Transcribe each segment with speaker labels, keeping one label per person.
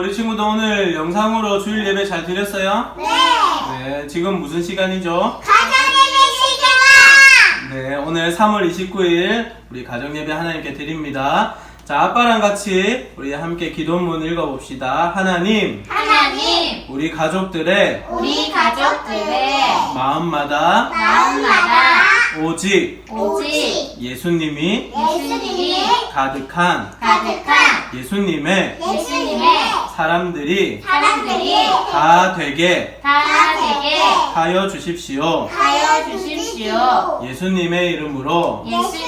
Speaker 1: 우리 친구도 오늘 영상으로 주일 예배 잘 드렸어요?
Speaker 2: 네.
Speaker 1: 네, 지금 무슨 시간이죠?
Speaker 2: 가정예배 시간.
Speaker 1: 네, 오늘 3월 29일 우리 가정예배 하나님께 드립니다. 자, 아빠랑 같이 우리 함께 기도문 읽어봅시다. 하나님, 우리 가족들의 마음마다 오직 예수님이 가득한 예수님의 사람들이 다 되게 하여 주십시오. 예수님의 이름으로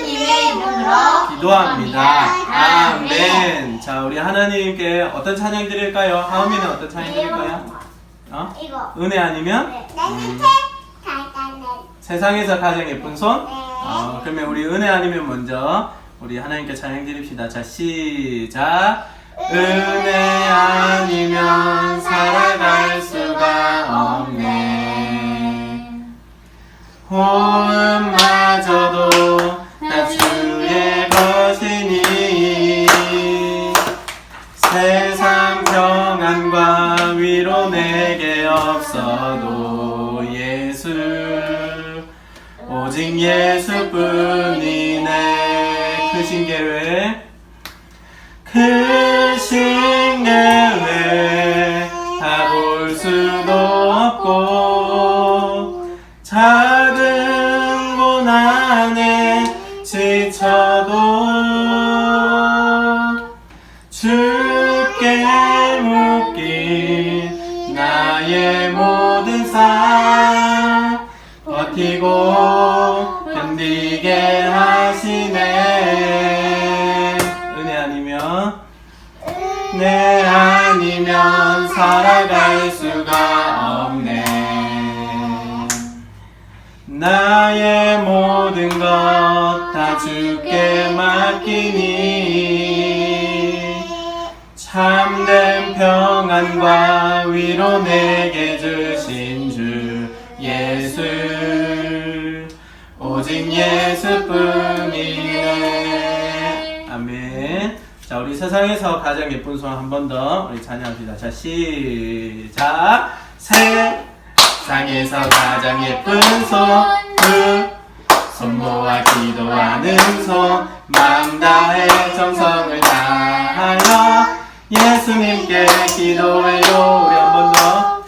Speaker 1: 기도합니다. 아멘. 자, 우리 하나님께 어떤 찬양 드릴까요? 하은이는 어떤 찬양 드릴까요?
Speaker 2: 이거.
Speaker 1: 은혜 아니면? 세상에서 가장 예쁜 손? 그러면 우리 은혜 아니면 먼저 우리 하나님께 찬양 드립시다. 자, 시작. 은혜 아니면 살아갈 수가 없네. 호흡마저도 다 주의 것이니 세상 평안과 위로 내게 없어도 예수 오직 예수뿐이네. 크신 계획 다 볼 수도 없고 작은 고난에 지쳐도 주께 묶인 나의 모든 삶 버티고 견디게 하시네. 은혜 아니면 살아갈 수가 없네. 나의 모든 것 다 주께 맡기니 참된 평안과 위로 내게 주신 주 예수 오직 예수뿐이네. 아멘. 자, 우리 세상에서 가장 예쁜 손 한 번 더 우리 찬양합시다. 자, 시작. 세상에서 가장 예쁜 손 그 손 모아 기도하는 손 마음 다해 정성을 다하여 예수님께 기도해요. 우리 한 번 더.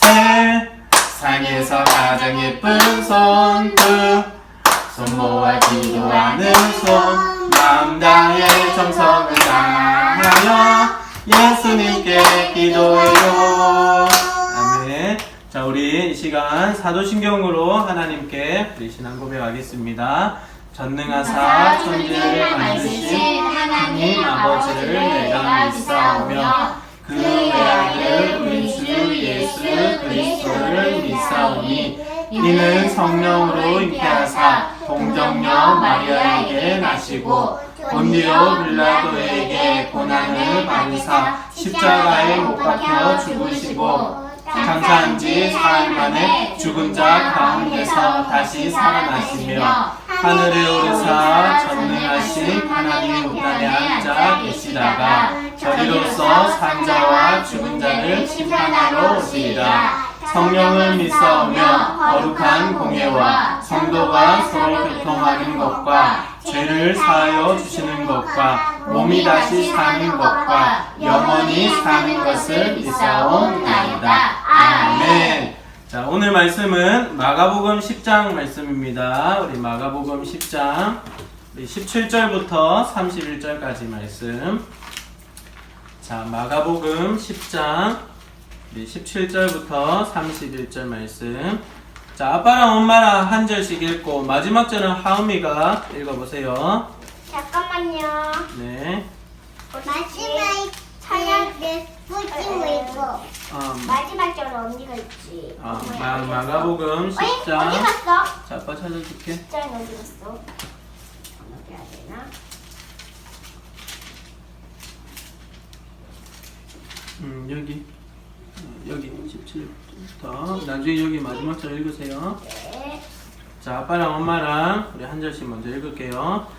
Speaker 1: 세상에서 가장 예쁜 손 그 손 모아 기도하는 손 마음 다해 정성을 다하여 예수님께 기도해요. 아멘. 자, 우리 이 시간 사도신경으로 하나님께 우리 신앙 고백하겠습니다. 전능하사 천지를 만드신 하나님 아버지를 내가 믿사오며 그 외아들 우리 주 예수 그리스도를 믿사오니 이는 성령으로 잉태하사 동정녀 마리아에게 나시고 본디오 빌라도에게 고난을 받으사 십자가에 못 박혀 죽으시고 장사한 지 사흘 만에 죽은 자 가운데서 다시 살아나시며 하늘에 오르사 전능하신 하나님 우편에 앉아 계시다가 저리로서 산자와 죽은 자를 심판하러 오시리라. 성령을 믿사오며 거룩한 공예와 성도가 서로 교통하는 것과 죄를 사하여 주시는 것과 몸이 다시 사는 것과 영원히 사는 것을 믿사옵나이다. 아멘. 자, 오늘 말씀은 마가복음 10장 말씀입니다. 우리 마가복음 10장 17절부터 31절까지 말씀. 자, 마가복음 10장 17절부터 31절 말씀. 자, 아빠랑 엄마랑 한 절씩 읽고 마지막 절은 하은이가 읽어보세요.
Speaker 2: 잠깐만요.
Speaker 1: 네.
Speaker 2: 마지막 찬양 내 뿌리고 있고. 마지막 절은 언니가 있지.
Speaker 1: 마가복음 10장.
Speaker 2: 어디 갔어?
Speaker 1: 자, 아빠 찾아줄게.
Speaker 2: 10장 어디 갔어? 어디 해야 되나?
Speaker 1: 여기 17부터 나중에 여기 마지막 절 읽으세요.
Speaker 2: 네.
Speaker 1: 자, 아빠랑 엄마랑 우리 한 절씩 먼저 읽을게요.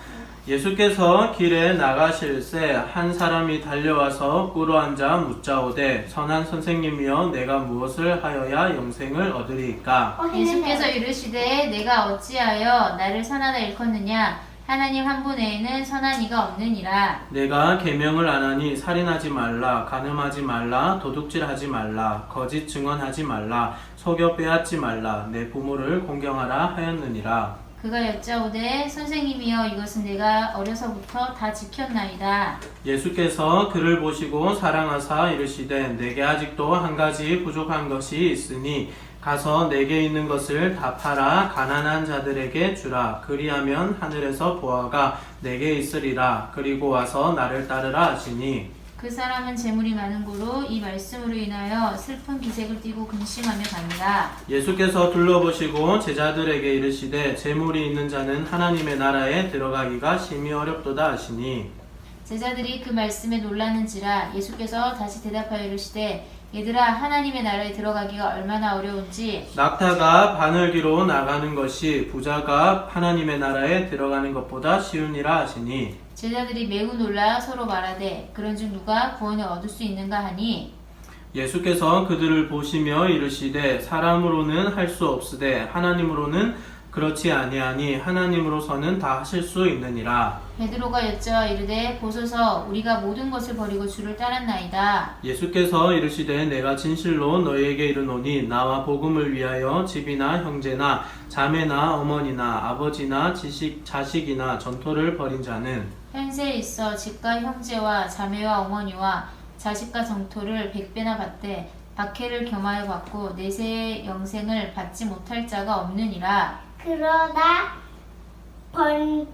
Speaker 1: 예수께서 길에 나가실새 한 사람이 달려와서 꿇어앉아 묻자오되 선한 선생님이여 내가 무엇을 하여야 영생을 얻으리이까.
Speaker 3: 예수께서 이르시되 내가 어찌하여 나를 선하다 일컫느냐 하나님 한 분 외에는 선한 이가 없느니라.
Speaker 1: 내가 계명을 안 하니 살인하지 말라, 간음하지 말라, 도둑질하지 말라, 거짓 증언하지 말라, 속여 빼앗지 말라, 내 부모를 공경하라 하였느니라.
Speaker 3: 그가 여짜오되 선생님이여 이것은 내가 어려서부터 다 지켰나이다.
Speaker 1: 예수께서 그를 보시고 사랑하사 이르시되 내게 아직도 한 가지 부족한 것이 있으니 가서 내게 있는 것을 다 팔아 가난한 자들에게 주라. 그리하면 하늘에서 보화가 내게 있으리라. 그리고 와서 나를 따르라 하시니
Speaker 3: 그 사람은 재물이 많은 고로 이 말씀으로 인하여 슬픈 기색을 띠고 근심하며 갑니다.
Speaker 1: 예수께서 둘러보시고 제자들에게 이르시되 재물이 있는 자는 하나님의 나라에 들어가기가 심히 어렵도다 하시니
Speaker 3: 제자들이 그 말씀에 놀라는지라. 예수께서 다시 대답하여 이르시되 얘들아 하나님의 나라에 들어가기가 얼마나 어려운지
Speaker 1: 낙타가 바늘기로 나가는 것이 부자가 하나님의 나라에 들어가는 것보다 쉬우니라 하시니
Speaker 3: 제자들이 매우 놀라 서로 말하되 그런즉 누가 구원을 얻을 수 있는가 하니
Speaker 1: 예수께서 그들을 보시며 이르시되 사람으로는 할 수 없으되 하나님으로는 그렇지 아니하니 하나님으로서는 다 하실 수 있느니라.
Speaker 3: 베드로가 여짜와 이르되 보소서 우리가 모든 것을 버리고 주를 따랐나이다.
Speaker 1: 예수께서 이르시되 내가 진실로 너희에게 이르노니 나와 복음을 위하여 집이나 형제나 자매나 어머니나 아버지나 자식이나 전토를 벌인 자는
Speaker 3: 현세에 있어 집과 형제와 자매와 어머니와 자식과 정토를 100배나 받되 박해를 겸하여 받고 내세의 영생을 받지 못할 자가 없느니라.
Speaker 2: 그러나 번쩍된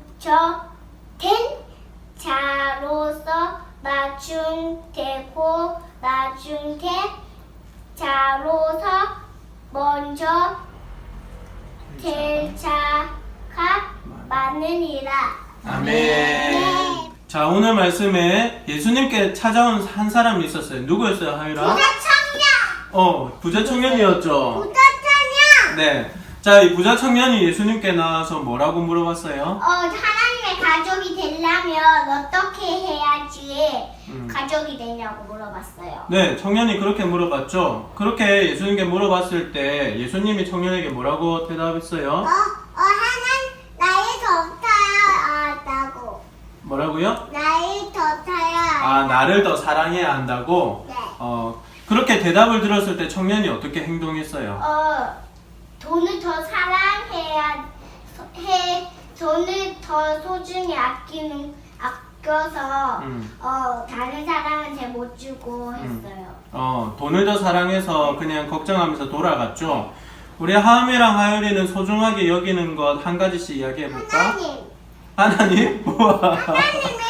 Speaker 2: 자로서 나중되고 나중된 자로서 먼저 될 자가 많으니라.
Speaker 1: 아멘. 자, 오늘 말씀에 예수님께 찾아온 한 사람이 있었어요. 누구였어요, 하유라?
Speaker 2: 부자 청년!
Speaker 1: 부자 청년이었죠.
Speaker 2: 부자 청년!
Speaker 1: 네. 자, 이 부자 청년이 예수님께 나와서 뭐라고 물어봤어요?
Speaker 2: 하나님의 가족이 되려면 어떻게 해야지 가족이 되냐고 물어봤어요.
Speaker 1: 네, 청년이 그렇게 물어봤죠. 그렇게 예수님께 물어봤을 때 예수님이 청년에게 뭐라고 대답했어요?
Speaker 2: 하나님 나이 더 타야 한다고.
Speaker 1: 뭐라고요?
Speaker 2: 나이 더 타야
Speaker 1: 아, 나를 더 사랑해야 한다고?
Speaker 2: 네.
Speaker 1: 그렇게 대답을 들었을 때 청년이 어떻게 행동했어요?
Speaker 2: 돈을 더 사랑해야 돈을 더 소중히 아껴서 다른 사람한테 못 주고 했어요.
Speaker 1: 돈을 더 사랑해서 그냥 걱정하면서 돌아갔죠. 우리 하음이랑 하율이는 소중하게 여기는 것 한 가지씩 이야기해볼까? 하나님? 우와.
Speaker 2: 하나님이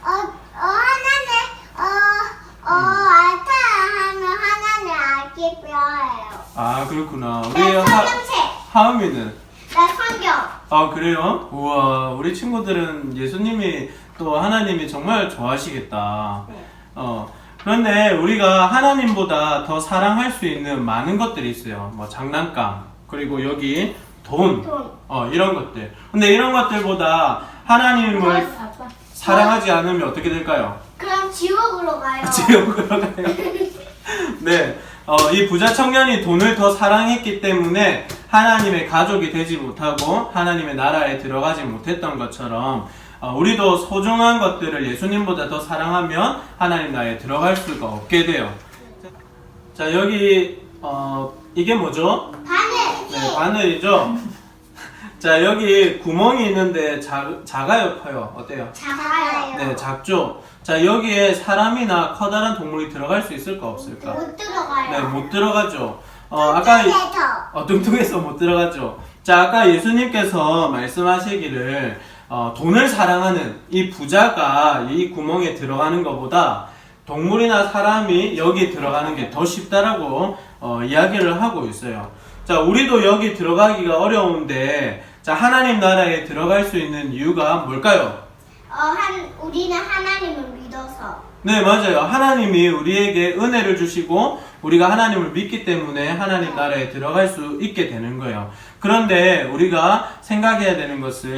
Speaker 2: 알타하면 하나님 아끼뼈예요.
Speaker 1: 아, 그렇구나. 우리
Speaker 2: 성경책.
Speaker 1: 하음이는?
Speaker 2: 나 성경.
Speaker 1: 아, 그래요? 우와, 우리 친구들은 예수님이 또 하나님이 정말 좋아하시겠다.
Speaker 2: 네.
Speaker 1: 그런데 우리가 하나님보다 더 사랑할 수 있는 많은 것들이 있어요. 뭐 장난감, 그리고 여기 돈. 이런 것들. 근데 이런 것들보다 하나님을
Speaker 3: 아빠.
Speaker 1: 사랑하지 않으면 어떻게 될까요?
Speaker 2: 그럼 지옥으로 가요.
Speaker 1: 지옥으로 가요. 네. 이 부자 청년이 돈을 더 사랑했기 때문에 하나님의 가족이 되지 못하고 하나님의 나라에 들어가지 못했던 것처럼 우리도 소중한 것들을 예수님보다 더 사랑하면 하나님 나라에 들어갈 수가 없게 돼요. 자, 여기 이게 뭐죠?
Speaker 2: 바늘.
Speaker 1: 네, 바늘이죠. 자, 여기 구멍이 있는데 작아요, 커요? 어때요?
Speaker 2: 작아요.
Speaker 1: 네, 작죠. 자, 여기에 사람이나 커다란 동물이 들어갈 수 있을까 없을까?
Speaker 2: 못 들어가요.
Speaker 1: 네, 못 들어가죠. 아까
Speaker 2: 뚱뚱해서.
Speaker 1: 뚱뚱해서 못 들어가죠. 자, 아까 예수님께서 말씀하시기를 돈을 사랑하는 이 부자가 이 구멍에 들어가는 것보다 동물이나 사람이 여기 들어가는 게 더 쉽다라고 이야기를 하고 있어요. 자, 우리도 여기 들어가기가 어려운데 자, 하나님 나라에 들어갈 수 있는 이유가 뭘까요?
Speaker 2: 우리는 하나님을 믿어서.
Speaker 1: 네, 맞아요. 하나님이 우리에게 은혜를 주시고 우리가 하나님을 믿기 때문에 하나님 나라에 들어갈 수 있게 되는 거예요. 그런데 우리가 생각해야 되는 것은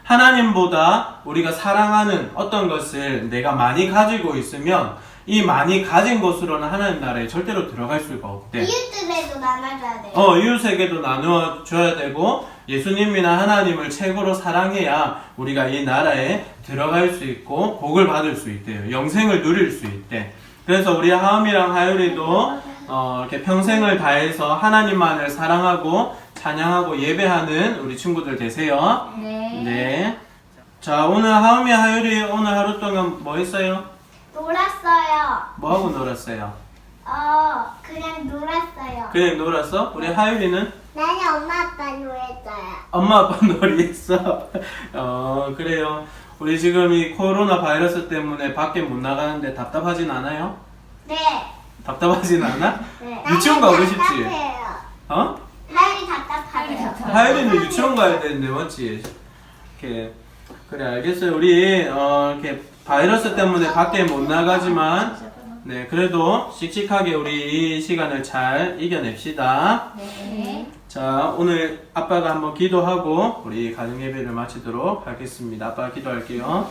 Speaker 1: 하나님보다 우리가 사랑하는 어떤 것을 내가 많이 가지고 있으면 이 많이 가진 것으로는 하나님 나라에 절대로 들어갈 수가 없대.
Speaker 2: 이웃들에도 나눠줘야 돼요.
Speaker 1: 이웃에게도 나누어줘야 되고 예수님이나 하나님을 최고로 사랑해야 우리가 이 나라에 들어갈 수 있고 복을 받을 수 있대요. 영생을 누릴 수 있대. 그래서 우리 하음이랑 하율이도 이렇게 평생을 다해서 하나님만을 사랑하고 찬양하고 예배하는 우리 친구들 되세요.
Speaker 3: 네.
Speaker 1: 네. 자, 오늘 하음이 하율이 오늘 하루 동안 뭐 했어요?
Speaker 2: 놀았어요.
Speaker 1: 뭐하고 놀았어요?
Speaker 2: 그냥 놀았어요.
Speaker 1: 그냥 놀았어? 우리 하율이는?
Speaker 2: 나는 엄마 아빠 놀았어요.
Speaker 1: 엄마 아빠 놀이했어. 그래요. 우리 지금 이 코로나 바이러스 때문에 밖에 못 나가는데 답답하진 않아요?
Speaker 2: 네.
Speaker 1: 답답하진 않아?
Speaker 2: 네.
Speaker 1: 유치원 가고 싶지?
Speaker 2: 답답해요.
Speaker 1: 어?
Speaker 2: 하율이 답답하대요.
Speaker 1: 하율이는 유치원 가야 되는데 맞지? 이렇게 그래 알겠어요. 우리 이렇게 바이러스 때문에 밖에 못 나가지만 네 그래도 씩씩하게 우리 이 시간을 잘 이겨냅시다.
Speaker 3: 네.
Speaker 1: 자, 오늘 아빠가 한번 기도하고 우리 가정 예배를 마치도록 하겠습니다. 아빠 기도할게요.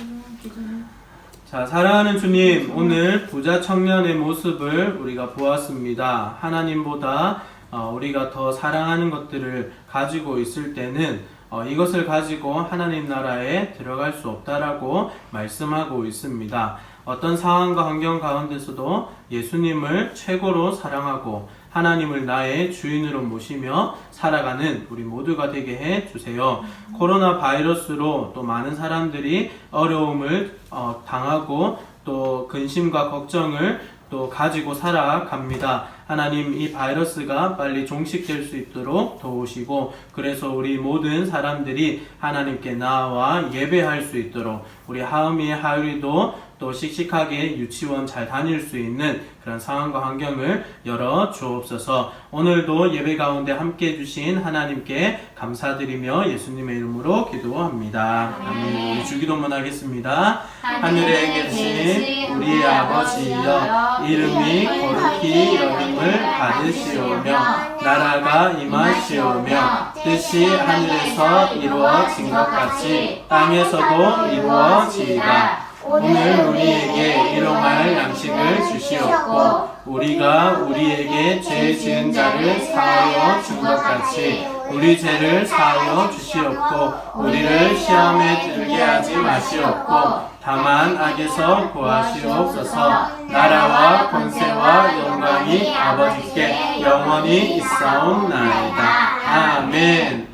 Speaker 1: 자, 사랑하는 주님, 오늘 부자 청년의 모습을 우리가 보았습니다. 하나님보다 우리가 더 사랑하는 것들을 가지고 있을 때는 이것을 가지고 하나님 나라에 들어갈 수 없다라고 말씀하고 있습니다. 어떤 상황과 환경 가운데서도 예수님을 최고로 사랑하고 하나님을 나의 주인으로 모시며 살아가는 우리 모두가 되게 해 주세요. 코로나 바이러스로 또 많은 사람들이 어려움을 당하고 또 근심과 걱정을 또 가지고 살아갑니다. 하나님 이 바이러스가 빨리 종식될 수 있도록 도우시고 그래서 우리 모든 사람들이 하나님께 나와 예배할 수 있도록 우리 하음이 하율이도 또 씩씩하게 유치원 잘 다닐 수 있는 그런 상황과 환경을 열어 주옵소서. 오늘도 예배 가운데 함께 해주신 하나님께 감사드리며 예수님의 이름으로 기도합니다. 아멘. 우리 주기도문 하겠습니다. 하늘에 계신 우리 아버지여 이름이 거룩히 여김을 받으시오며 나라가 임하시오며 뜻이 하늘에서 이루어진 것 같이 땅에서도 이루어지이다. 오늘 우리에게 일용할 양식을 주시옵고 우리가 우리에게 죄 지은 자를 사하여 준 것 같이 우리 죄를 사하여 주시옵고 우리를 시험에 들게 하지 마시옵고 다만 악에서 구하시옵소서. 나라와 권세와 영광이 아버지께 영원히 있사옵나이다. 아멘.